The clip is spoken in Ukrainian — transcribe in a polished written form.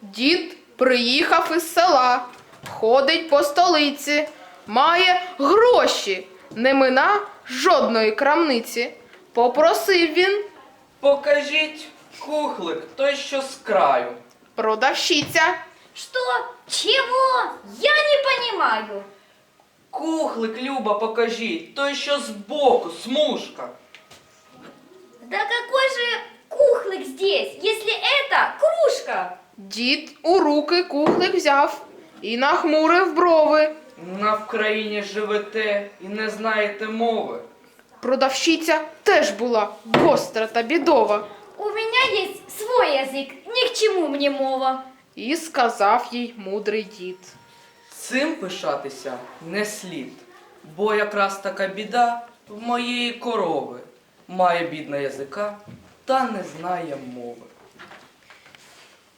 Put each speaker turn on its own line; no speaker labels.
Дід приїхав із села, ходить по столиці, має гроші, не мина жодної крамниці. Попросив він.
Покажіть кухлик, той, що з краю.
Продавщиця.
Что? Чего? Я не понимаю.
Кухлик, Люба, покажіть, той, що збоку, смужка.
Да какой же кухлик здесь, если это кружка?
Дід у руки кухлик взяв і нахмурив брови.
На Вкраїні живете і не знаєте мови.
Продавщиця теж була гостра та бідова.
У меня есть свой язык, ни к чему мне мова.
І сказав їй мудрий дід.
Цим пишатися не слід, бо якраз така біда в моєї корови. Має бідна язика та не знає мови.